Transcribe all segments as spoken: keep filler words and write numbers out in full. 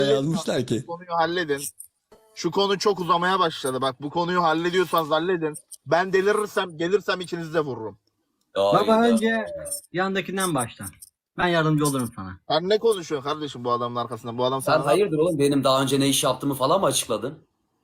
yazmışlar ki. Bu konuyu halledin. Şu konu çok uzamaya başladı. Bak bu konuyu hallediyorsanız halledin. Ben delirirsem gelirsem ikinizi de vururum. Baba Hayda. önce yandakinden başla. Ben yardımcı olurum sana. Sen ne konuşuyorsun kardeşim bu adamın arkasında? Bu adam Sen sana hayırdır oğlum, benim daha önce ne iş yaptığımı falan mı açıkladın?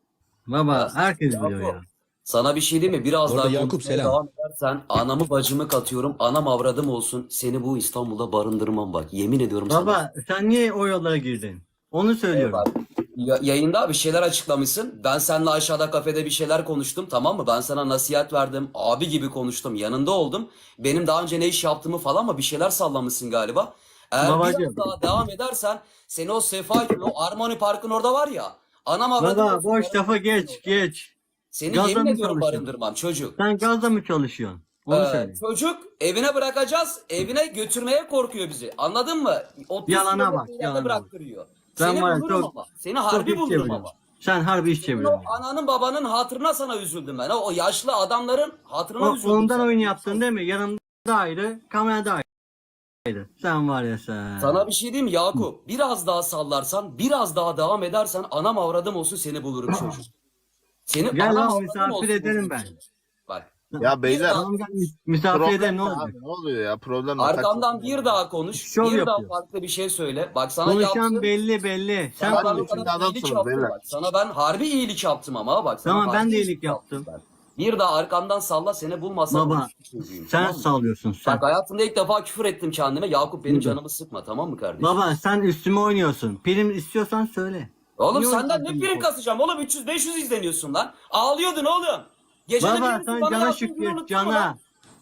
Baba Ya, herkes Yakup, biliyor ya. Sana bir şey diyeyim mi? Biraz Orada daha Yakup, konuşmaya selam. devam edersen anamı bacımı katıyorum. Anam avradım olsun. Seni bu İstanbul'da barındırmam bak. Yemin ediyorum sana. Baba sen niye o yollara girdin? Onu söylüyorum. Bak, ya- yayında bir şeyler açıklamışsın. Ben seninle aşağıda kafede bir şeyler konuştum, tamam mı? Ben sana nasihat verdim. Abi gibi konuştum. Yanında oldum. Benim daha önce ne iş yaptığımı falan mı bir şeyler sallamışsın galiba. Eğer Babacığım. biraz daha devam edersen seni o Sefa, o Armoni Park'ın orada var ya. Anam avradım Baba olsun, boş barındırmam lafa geç orada. geç. Seni Gazla yemin mı ediyorum çalışıyorsun? barındırmam çocuk. Sen gazla mı çalışıyorsun? Onu Ee, söyle. çocuk evine bırakacağız. Evine götürmeye korkuyor bizi. Anladın mı? otuz Yalana kilometre bak, ileride yalana bak. bıraktırıyor. Ben Seni var ya, bulurum çok- ama. Seni Çok harbi iş bulurum çeviriyorsun. ama. Sen harbi iş Senin çeviriyorsun. o ananın babanın hatırına sana üzüldüm ben. O yaşlı adamların hatırına O, üzüldüm. ondan sana. oyun yaptın değil mi? Yanımda ayrı, kamerada ayrı. Sen var ya sen. Sana bir şey diyeyim mi Yakup? Biraz daha sallarsan, biraz daha devam edersen anam avradım olsun seni bulurum çocuk. Seni Gel anam lan, avradım misafir olsun ederim bulurum ben. çocuk. Bak. Ya beyler Tamam gel mis- misafir problem ederim ne ne olacak? abi? Ne oluyor ya? Problem ne? Arkamdan Kaç- bir daha konuş. Şov bir daha yapıyor. farklı bir şey söyle. Bak sana Konuşan yaptığım... belli belli. Sen Sana ben Zaten o konuş. içinde kadar iyilik adamsınız yaptım beyler. bak. Sana ben harbi iyilik yaptım ama bak. Sana Tamam, ben harbi de iyilik yaptım. ben. Bir daha arkamdan salla, seni bulmasam Baba konuşmuş çocuğuyum, sen tamam mı? sallıyorsun sen. Bak hayatımda ilk defa küfür ettim kendime. Yakup benim Hı. canımı sıkma, tamam mı kardeşim? Baba sen üstüme oynuyorsun. Prim istiyorsan söyle. Oğlum Niye senden ne oynuyorsun prim bu? kasacağım oğlum? üç yüz beş yüz izleniyorsun lan. Ağlıyordun oğlum. Gecenin Baba yarısı sen bana cana yazdığın günü şükret unuttun mu cana. lan?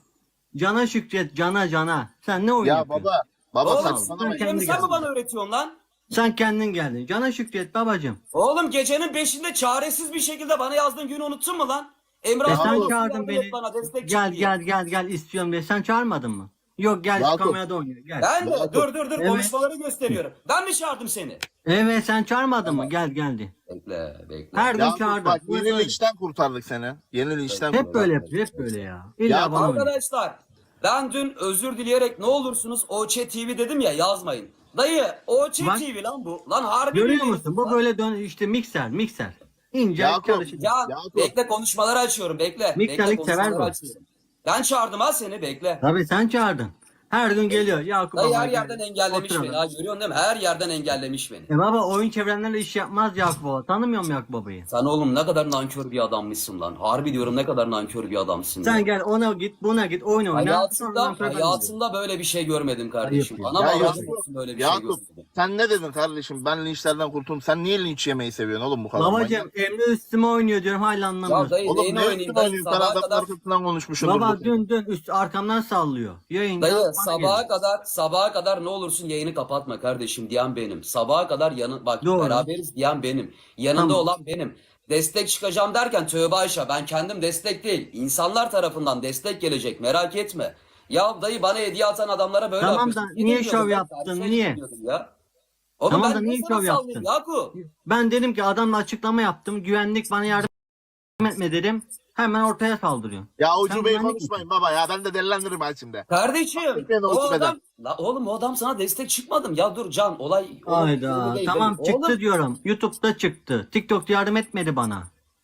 Cana şükret cana cana. Sen ne oyun Ya yapıyorsun? baba. Baba Oğlum saçmalama. sen- sen, kendi sen mi geldin. bana öğretiyorsun lan? Sen kendin geldin. Cana şükret babacım. Oğlum gecenin beşinde çaresiz bir şekilde bana yazdığın günü unuttun mu lan? Emre E abi sen olsun, çağırdın yardım beni. et bana, destek Gel çık diye. gel gel gel istiyorum diye. Sen çağırmadın mı? Yok gel şu Yakup. kamerada oynuyor. Gel. Ben de Yakup. dur dur dur Evet. konuşmaları gösteriyorum. Ben mi çağırdım seni? Evet sen çağırmadın mı? Gel geldi. Bekle bekle. Her gün Ya çağırdım. bak Bu yeni böyle. linçten kurtardık seni. Yeni linçten Hep kurtardık. böyle yapıyor. Hep böyle ya. İlla Ya bana oynuyor. Arkadaşlar ben dün özür dileyerek ne olursunuz O Ç T V dedim ya, yazmayın. Dayı O Ç Bak. T V lan bu. Lan harbi Görüyor bir- musun? Bu böyle dön işte mikser mikser. İnce Yakup, çalışır. Ya Yakup. bekle konuşmaları açıyorum bekle. Miktarlık bekle sever konuşmaları bu. açıyorum. Ben çağırdım ha seni, bekle. Tabii sen çağırdın. Her gün geliyor. Yakup Dayı baba her gel. yerden engellemiş Oturalım. beni ha, görüyorsun değil mi? Her yerden engellemiş beni. E baba oyun çevrenlerle iş yapmaz Yakup baba. Tanımıyor musun Yakup babayı? Sen oğlum ne kadar nankör bir adammışsın lan. Harbi diyorum, ne kadar nankör bir adamsın. Sen ya. gel ona git buna git oyun oyna. Sonradan Hayatımda, para hayatımda böyle bir şey görmedim kardeşim. Ayıp ya. Anam Ya avradım Yakup, olsun böyle bir şey Yakup görmedim. sen ne dedin kardeşim? Ben linçlerden kurtuldum. Sen niye linç yemeyi seviyorsun oğlum bu kadar? Babacım Emre üstüme oynuyor diyorum hala Ya anlamıyorsun. dayı Oğlum neyini ne oynayayım üstüne dayı, oynuyorsun? Sen sabaha adamın kadar. arkasından konuşmuşsun. Baba dün dün üst arkamdan sallıyor. Yayında Dayı bana sabaha geliyor. kadar sabaha kadar ne olursun yayını kapatma kardeşim diyen benim. Sabaha kadar yanı bak Doğru. beraberiz diyen benim. Yanında Tamam. olan benim. Destek çıkacağım derken tövbe Ayşe, ben kendim destek değil. İnsanlar tarafından destek gelecek, merak etme. Ya dayı bana hediye atan adamlara böyle Tamam yapıyorsun. da Gidin niye diyordum şov ben, yaptın, karşıya niye? gidin diyordum Ya. Oğlum Tamam ben da niye niye sana şov sallayayım yaptın? Yakup? Ben dedim ki adamla açıklama yaptım. Güvenlik bana yardım etme dedim. Hemen ortaya saldırıyor. Ya Sen ucubeyi güvenlik konuşmayın baba ya. Ben de delilendiririm ben şimdi. Kardeşim Lütfen o olsun adam, la oğlum o adam sana destek çıkmadım. Ya dur Can, olay olay- Hayda. öyle değil, Tamam değil. çıktı Oğlum, diyorum. YouTube'da çıktı. TikTok'ta yardım etmedi bana.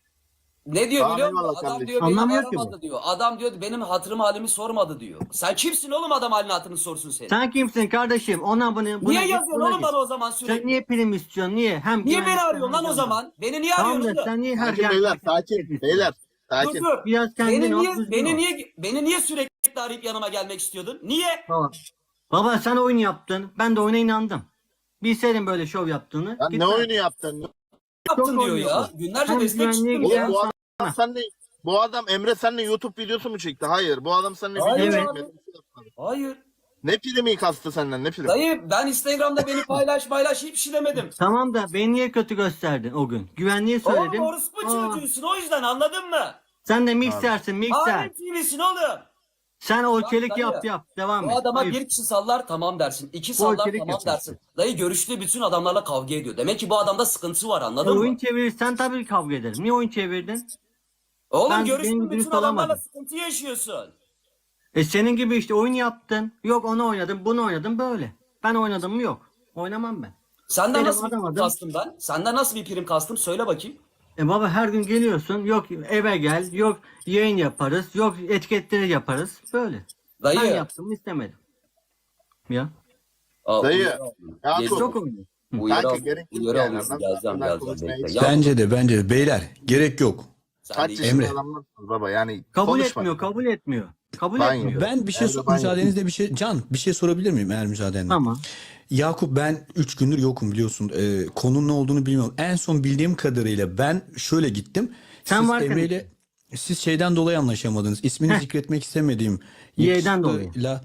ne diyor Tamam, biliyor musun? eyvallah Adam kardeşim. diyor beni Anlamıyor ki bu. aramadı diyor. Adam diyor benim hatırımı halimi sormadı diyor. Sen kimsin oğlum adam halini hatırını sorsun seni? Sen kimsin kardeşim? Ona bunu buna Niye git, yazıyorsun buna oğlum git. bana o zaman sürekli? Sen niye prim istiyorsun? Niye? Hem Niye güvenlik- beni arıyorsun lan o hem- zaman? Beni niye Tamam arıyorsun da oğlum? sen niye her Sakin yerde- beyler sakin. Beyler Dur sakin. dur. Biraz kendin Beni ol, niye, düzgün beni ol. niye, beni niye sürekli arayıp yanıma gelmek istiyordun? Niye? Baba. Baba sen oyun yaptın. Ben de oyuna inandım. Bilseydim böyle şov yaptığını. Lan ne gitmem. oyunu yaptın? Yaptın diyor oynuyor ya. bu. Günlerce Hem destek güvenliğe çıktım gidiyor, ya. Oğlum bu adam sen de bu adam Emre seninle YouTube videosu mu çekti? Hayır. Bu adam seninle Hayır video abi. çekmedi. Hayır. Ne primi kastı senden? Ne primi? Dayı ben Instagram'da beni paylaş paylaş hiçbir şey demedim. Tamam da beni niye kötü gösterdin o gün? Güvenliği Oğlum söyledim. orospu Aa, çocuğusun, o yüzden anladın mı? sen de miksersin mikser. Halim T V'sin oğlum. Sen o Bak çelik dayı, yap yap. Devam Bu et. adama Hayır. bir kişi sallar tamam dersin. İki sallar çelik tamam yapıyorsun. dersin. Dayı görüştüğü bütün adamlarla kavga ediyor. Demek ki bu adamda sıkıntı var, E, anladın oyun mı? çevirirsen tabii kavga ederim. Niye oyun çevirdin? Oğlum ben- görüştüğün benim bütün dürüst adamlarla olamadım. sıkıntı yaşıyorsun. E senin gibi işte oyun yaptın. Yok onu oynadım bunu oynadım böyle. Ben oynadım mı yok. Oynamam ben. Senden Benim nasıl bir adam prim adam. kastım ben? Senden nasıl bir prim kastım? Söyle bakayım. E baba her gün geliyorsun. Yok eve gel. Yok yayın yaparız. Yok etiketleri yaparız. Böyle. Ben Dayı. yaptım istemedim. Ya. Aa, Dayı, uyarı aldım. ya Geliyorum. Çok oynuyor. Uyarı Kanka aldım. gerek yok Uyarı yani. alıyorsun. Ben Geleceğim ben geleceğim konuşmaya bekle. hiç- Ya, Bence de bence de. Beyler gerek yok. sen Kaç de yaşında Emre. adamlarsınız baba yani Kabul konuşma. etmiyor. Kabul etmiyor. Kabul Ben etmiyor. Ben bir şey Evde so- ben müsaadenizle bir şey Can bir şey sorabilir miyim eğer müsaadenle? Tamam. Yakup ben üç gündür yokum biliyorsun. Ee, konunun ne olduğunu bilmiyorum. En son bildiğim kadarıyla ben şöyle gittim. Sen Siz varken- Emre ile siz şeyden dolayı anlaşamadınız. İsmini zikretmek istemediğim Y'den dolayı. yakışıklıyla,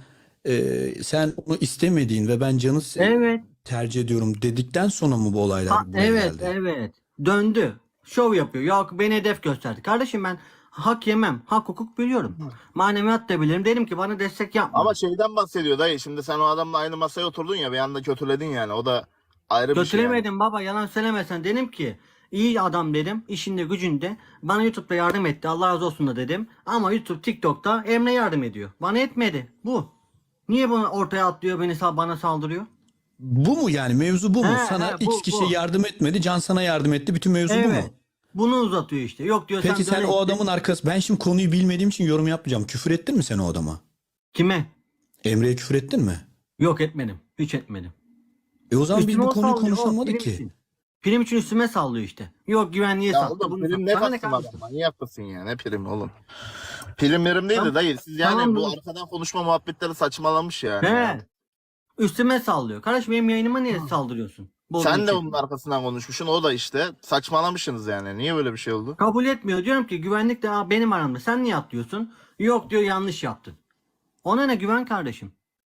e, sen onu istemediğin ve ben Can'ı se- Evet. tercih ediyorum dedikten sonra mı bu olaylar Ha, buraya evet geldi? evet. Döndü. Şov yapıyor. Ya beni hedef gösterdi. Kardeşim ben hak yemem. Hak hukuk biliyorum. Maneviyat da bilirim. Dedim ki bana destek yapma. Ama şeyden bahsediyor dayı. Şimdi sen o adamla aynı masaya oturdun ya bir anda kötüledin yani. O da ayrı bir şey. Yani. Götüremedim baba yalan söylemesen. Dedim ki iyi adam dedim. İşinde gücünde. Bana YouTube'da yardım etti. Allah razı olsun da dedim. Ama YouTube TikTok'ta Emre yardım ediyor. Bana etmedi. Bu. Niye bunu ortaya atlıyor beni sa- bana saldırıyor? Bu mu yani mevzu bu mu? He, Sana he, X bu, kişi bu. yardım etmedi, Can sana yardım etti. Bütün mevzu bu mu? Evet. Bunu uzatıyor işte. Yok diyor Peki sen döne o git. adamın arkası ben şimdi konuyu bilmediğim için yorum yapmayacağım. Küfür ettin mi sen o adama? Kime? Emre'ye küfür ettin mi? Yok etmedim. Hiç etmedim. E o zaman biz Üstüme bu o konuyu sallıyor, o konuşamadık prim ki. için. Prim için üstüme sallıyor işte. Yok güvenliğe Ya sattı. oğlum bunu prim sattı. ne Sana ne kastım kardeşim? adamla? Niye yapmasın ya? Ne prim oğlum? Prim mirim değil de Tamam. dayı. Siz yani Tamam, bu dur. arkadan konuşma muhabbetleri saçmalamış yani. He. ya. Üstüme sallıyor. Kardeşim benim yayınıma niye saldırıyorsun? Bozduğu Sen de için. onun arkasından konuşmuşsun. O da işte saçmalamışsınız yani. Niye böyle bir şey oldu? Kabul etmiyor. Diyorum ki güvenlik de "Aa, benim aramda. Sen niye atlıyorsun? Yok diyor yanlış yaptın. Ona ne güven kardeşim?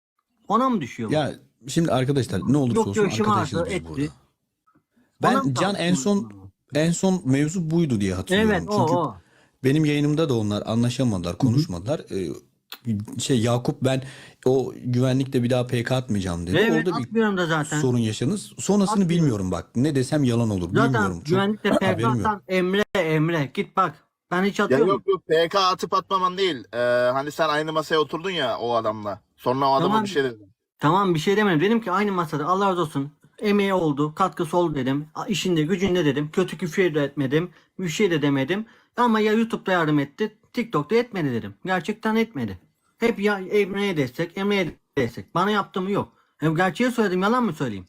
Ona mı düşüyor bu? Ya şimdi arkadaşlar ne olursa Yok olsun diyor işim arkadaşız ağrıdı biz etti. burada. Ona Ben mı Can en son tartışıyorsun? en son mevzu buydu diye hatırlıyorum. Evet o Çünkü o. benim yayınımda da onlar anlaşamadılar, konuşmadılar. Ee, şey Yakup ben o güvenlikte bir daha P K atmayacağım dedi. Evet Orada bir atmıyorum da zaten. sorun yaşadınız. Sonrasını Atmıyorum. bilmiyorum bak. Ne desem yalan olur. Zaten Bilmiyorum. Çok güvenlikte haberim yok. P K atan Emre Emre git bak. Ben hiç Ya atıyorum. yok yok P K atıp atmaman değil. Ee, hani sen aynı masaya oturdun ya o adamla. Sonra o adama Tamam. bir şey dedin. Tamam bir şey demedim. Dedim ki aynı masada Allah razı olsun. Emeği oldu, katkısı oldu dedim. A- İşinde gücünde dedim. Kötü küfür de etmedim. Bir şey de demedim. Ama ya YouTube'da yardım etti, TikTok'ta etmedi dedim. Gerçekten etmedi. Hep ya Emre'ye destek, Emre'ye destek. Bana yaptı mı yok. Hem gerçeği söyledim, yalan mı söyleyeyim?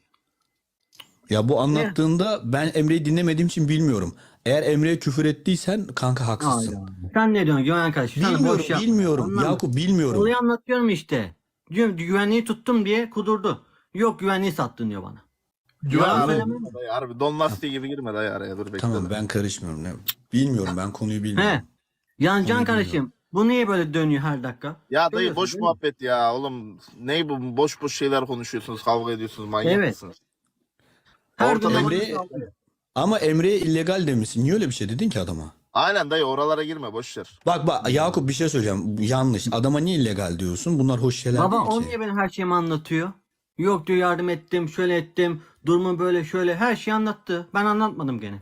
Ya bu anlattığında ben Emre'yi dinlemediğim için bilmiyorum. Eğer Emre'ye küfür ettiysen kanka haksızsın. Hayda. Sen ne diyorsun güven kardeşim? Sen Bilmiyorum, boş yapma. bilmiyorum. Anladın mı? Yakup bilmiyorum. Olayı anlatıyorum işte. Diyorum güvenliği tuttum diye kudurdu. Yok güvenliği sattın diyor bana. Güven Yalan araya söylemem. girme dayı. Harbi Don Lastiği gibi girme dayı araya. Dur bekle. Tamam ben karışmıyorum. Ne? Bilmiyorum ben konuyu bilmiyorum. He. Yani Can Konuyu kardeşim bu niye böyle dönüyor her dakika? Ya dayı Görüyorsun boş değil mi? muhabbet ya oğlum. Ne bu boş boş şeyler konuşuyorsunuz, kavga ediyorsunuz, manyak Evet. mısınız? Her Ortada gün Emre- bana saldırıyor. Ama Emre'ye illegal demişsin. Niye öyle bir şey dedin ki adama? Aynen dayı oralara girme boş ver. Bak bak Yakup bir şey söyleyeceğim. Yanlış. Adama niye illegal diyorsun? Bunlar hoş şeyler Baba değil o ki. niye benim her şeyimi anlatıyor? Yok diyor yardım ettim, şöyle ettim, durumu böyle şöyle her şeyi anlattı. Ben anlatmadım gene.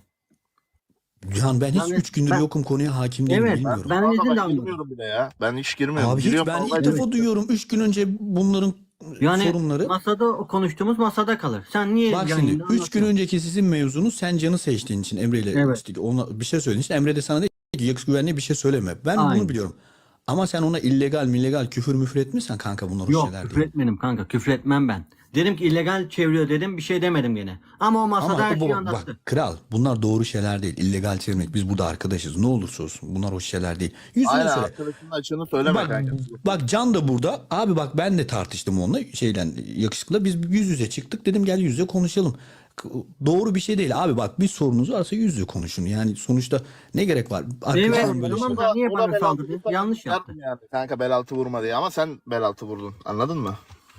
Can ben hiç Yani üç gündür ben- yokum konuya hakim değilim Evet, bilmiyorum. Ben Vallahi izin de bak almadım. girmiyorum bile ya. Ben hiç girmiyorum. Abi hiç Giriyorum, ben ilk kavga defa ediyorum. duyuyorum. Üç gün önce bunların Yani sorunları. masada o konuştuğumuz masada kalır. Sen niye Bak yayında şimdi üç gün anlatıyorsun? önceki sizin mevzunuz sen Can'ı seçtiğin için Emre ile Evet. işte ona bir şey söylediğin için Emre de sana dedi ki yakış güvenliğe bir şey söyleme. Ben Aynen. bunu biliyorum. Ama sen ona illegal millegal küfür müfür etmişsen kanka bunlar hoş Yok şeyler küfür değil. etmedim kanka küfür etmem ben. Dedim ki illegal çeviriyor dedim bir şey demedim gene. Ama o masada Ama her bu- şeyi bak, anlattı. kral bunlar doğru şeyler değil. İllegal çevirmek. Biz burada arkadaşız. Ne olursa olsun. Bunlar hoş şeyler değil. Yüzüne Aynen söyle. arkadaşının açığını söyleme Bak, kanka. bak Can da burada. Abi bak ben de tartıştım onunla şeyden yakışıkla. Biz yüz yüze çıktık. Dedim gel yüz yüze konuşalım. K- Doğru bir şey değil. Abi bak bir sorunuz varsa yüz yüze konuşun. Yani sonuçta ne gerek var? Arkadaşlar Evet, böyle tamam şeyler. da niye O da bana bel altı saldırdı? vursa Yanlış ben yaptı. tutardım Yani. Kanka bel altı vurma diye ama sen bel altı vurdun. Anladın mı?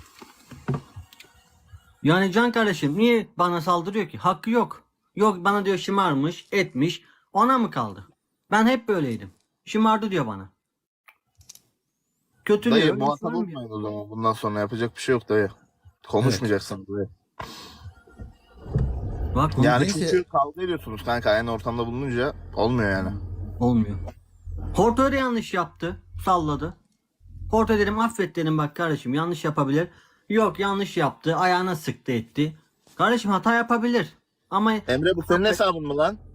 Yani Can kardeşim niye bana saldırıyor ki? Hakkı yok. Yok bana diyor şımarmış, etmiş. Ona mı kaldı? Ben hep böyleydim. Şımardı diyor bana. Kötülüyor. Dayı nasıl muhatap olmuyor? olmayın o zaman. Bundan sonra yapacak bir şey yok dayı. Konuşmayacaksın dayı. Bak Yani Neyse. çünkü kavga ediyorsunuz kanka. Aynı ortamda bulununca olmuyor yani. olmuyor. Porto da yanlış yaptı. Salladı. Porto dedim affet dedim bak kardeşim yanlış yapabilir. Yok yanlış yaptı. Ayağına sıktı etti. Kardeşim hata yapabilir. Ama Emre bu senin hesabın mı lan?